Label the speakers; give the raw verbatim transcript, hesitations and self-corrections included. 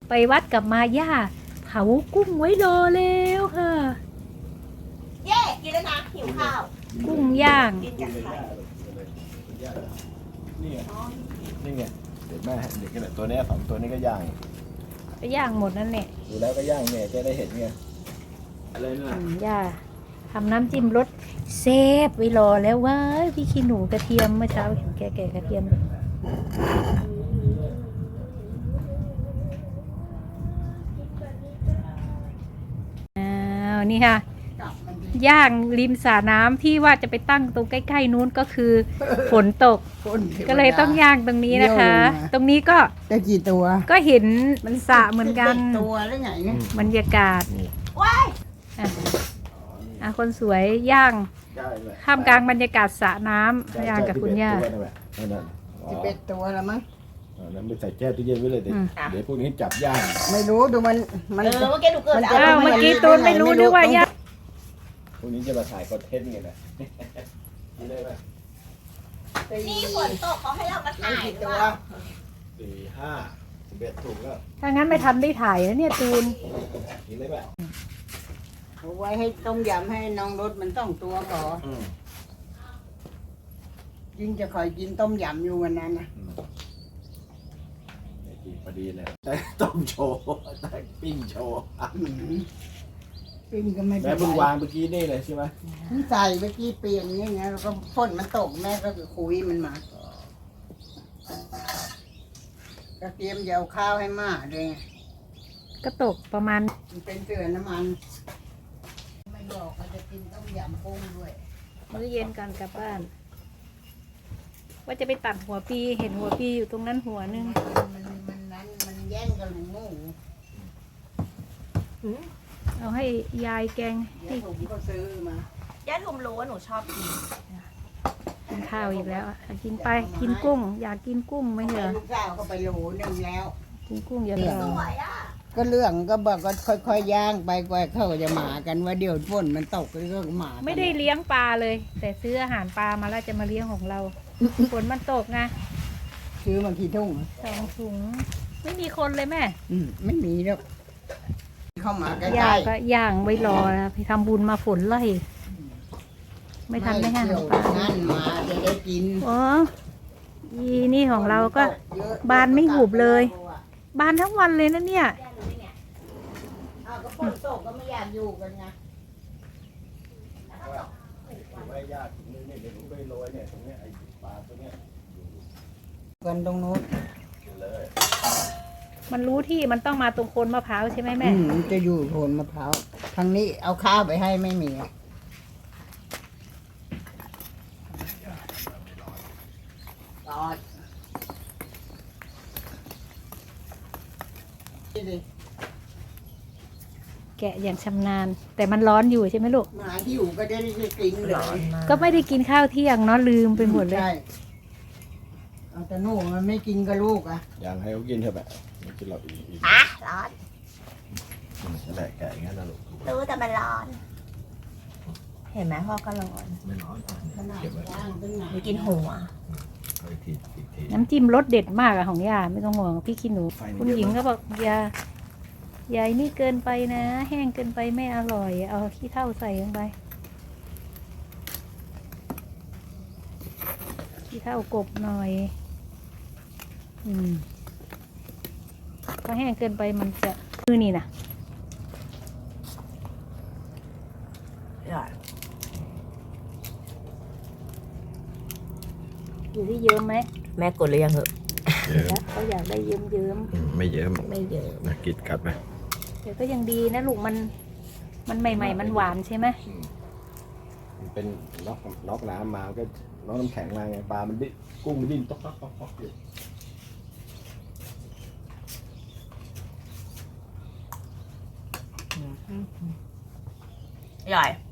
Speaker 1: ไปวัดกับมาย่าเผากุ้งไว้รอแล้วค่ะ
Speaker 2: เย่กินแล้วนะหิวข้าว
Speaker 1: กุ้งย่าง
Speaker 2: กินกับไข่
Speaker 3: นี่ไงนี่ไงเด็กแม่เด็กกันตัวนี้สองตัวนี้ก็ย่าง
Speaker 1: ไปย่างหมดนั่นแหละ
Speaker 3: ดูแล้วก็ย่างเนี่ยจะได้เห็นไงอะไรน่ะ
Speaker 1: ย่าทำน้ำจิ้มรสเซฟไว้รอแล้วว้าพี่ขี้หนูกระเทียมเมื่อเช้าเห็นแก่ๆกระเทียมอ้าวนี่ค่ะย่างริมสระน้ำที่ว่าจะไปตั้งตรงใกล้ๆนู้นก็คือฝนตกก็เลยต้องย่างตรงนี้นะคะ ตรงนี้ก็
Speaker 4: ได้กี่ตัว
Speaker 1: ก็เห็นมันสระเหมือนกัน
Speaker 4: ตัวแล้วไงเนี่ย
Speaker 1: บรรยากาศ
Speaker 2: ว้าย
Speaker 1: อ่ะคนสวยย่างท่ามกลางบรรยากาศสระน้ำย่างกับคุณย่า
Speaker 4: สิบเอ็ดตัวแล้วมั้ง
Speaker 3: นั้นไปใส่แก้วตู้เย็นไว้เลยเดี๋ยวเดี๋ยวพวกนี้จับย่าง
Speaker 4: ไม่รู้ดูมันมัน
Speaker 2: เออเมื่อกี้หนูเกิด
Speaker 1: อ้าวเมื่อกี้ตูนไม่รู้นึกว่าย่าง
Speaker 3: พวกนี้จะมาถ่ายคอนเทนต์ไงนะนี่ได้ไหม
Speaker 2: นี่ฝนตกเขาให้เรามาถ่าย
Speaker 4: ตัว
Speaker 3: สี่ห้าสิบเอ็ดถุงแล้ว
Speaker 1: ถ้างั้นไม่ทันได้ถ่ายนะเนี่ยตูน
Speaker 3: กินได้ไหม
Speaker 4: เอาไว้ให้ต้มยำให้น้องรสมันต้องตัวก่อนยิ่งจะคอยกินต้มยำอยู่วันนั้นนะ
Speaker 3: กินพอดีเลยแต่ต้มโชว์แต่ปิ้งโชว์
Speaker 4: ปิ้งก็ไม่
Speaker 3: แม่เพิ่งวางเมื่อกี้นี่เลยใช่ไหม
Speaker 4: ใส่เมื่อกี้เปลี่ยนนี่ไงแล้วก็ฝนมันตกแม่ก็คุยมันมากระเทียมจะเอาข้าวให้มาเลย
Speaker 1: ก็ตกประมาณ
Speaker 4: มันเป็นเกลือน้ำมันไม่บอกว่าจะกินต้มยำกุ้งด้วย
Speaker 1: มื้อเย็นกันกลับบ้านว่าจะไปตัดหัวปีเห็นหัวปีอยู่ตรงนั้นหัวนึง
Speaker 4: มันมันนั้นมันแย่งกันหมู
Speaker 1: เอาให้ยายแกง
Speaker 4: ที่ผมก็ซื้อมา
Speaker 2: ย่าทุมรู้ว่าหนูชอบกิน
Speaker 1: กินข้าวอีกแล้วกินไปกินกุ้งอยากกินกุ้งไหมเหรอ
Speaker 4: ลูกสาวก็ไปโหลนึงแล้ว
Speaker 1: กินกุ้งเยอะเลย
Speaker 4: ก็เรื่องก็บอกก็ค่อยๆย่างไปกว่าเขาจะหมากันว่าเดี๋ยวฝนมันตกแล้วก็หมา
Speaker 1: ไม่ได้เลี้ยงปลาเลยแต่ซื้ออาหารปลามาแล้วจะมาเลี้ยงของเราฝนมันตกไง
Speaker 4: ซื้อมากี่ถุง
Speaker 1: สองถุงไม่มีคนเลยแม่
Speaker 4: อืมไม่มีแล้วเข้ามาใกล้
Speaker 1: ๆย่างก็ย่างไว้รอนะไปทำบุญมาฝนไล่ไม่ทันได้ห้างปลา
Speaker 4: นั่นมาจะได้กิน
Speaker 1: อ๋อยีนี่ของเราก็บานไม่หุบเลยบานทั้งวันเลยนะเนี่ย
Speaker 4: อ้าวก็ฝนตกก็ไม่อยากอยู่กันไง
Speaker 3: ไม่ยากนี่เนี่ยเดี๋ยวผมไปโรยเนี่ยตรงนี้ไอ้ปลาตัวเนี้ย
Speaker 4: กันตรงโน้น
Speaker 3: เลย
Speaker 1: มันรู้ที่มันต้องมาตรงโคนมะพร้าวใช่ไหมแม่
Speaker 4: มันจะอยู่โคนมะพร้าวทางนี้เอาข้าวไปให้ไม่มีตอด
Speaker 1: แกะอย่างชำนาญแต่มันร้อนอยู่ใช่ไหมลูก
Speaker 4: หมาที่อยู่ก็ได้กินเลย
Speaker 1: ก็ไม่ได้กินข้าวเที่ยงเนาะลืมไปหมดเลย
Speaker 4: ใช่เอาแต่หนูมันไม่กินกับลูกอ่ะ
Speaker 3: อย่างให้เขากินเถอะแบบไม่กินเราอีก
Speaker 2: อ่ะร้อน
Speaker 3: แหละแกะอย่างนั้นนะลูก
Speaker 2: รู้แต่มันร้อนเห็นไหมพ่อก็ร้อน
Speaker 3: ไม่ร้อน
Speaker 2: เก็บไว้กินหัว
Speaker 1: น้ำจิ้มรสเด็ดมากอะของย่าไม่ต้องห่วงพี่ขี้หนูคุณหญิงก็บอกยาใหญ่นี่เกินไปนะแห้งเกินไปไม่อร่อยเอาขี้เถ้าใส่ลงไปขี้เถ้ากบหน่อยอืมก็แห้งเกินไปมันจะมือนี่นะอยู่ที่เยิ้มไหม
Speaker 2: แม่กดเลยยังเหอะ
Speaker 1: เขาอยากได้เยิ้มเยิ้ม
Speaker 3: ไม่เยิ้ม
Speaker 2: ไม่เยิ้ม
Speaker 3: นะกิดกัดไหม
Speaker 1: แต่ก็ยังดีนะลูกมันมันใหม่ๆมันหวานใช่ไหม
Speaker 3: มันเป็นน็อกน็อกน้ำมาก็น็อกน้ำแข็งมาไงปลามันดิ้นกุ้งมันดิ้นต๊อกต๊อกต๊อกต๊อกอยู่
Speaker 2: ใหญ่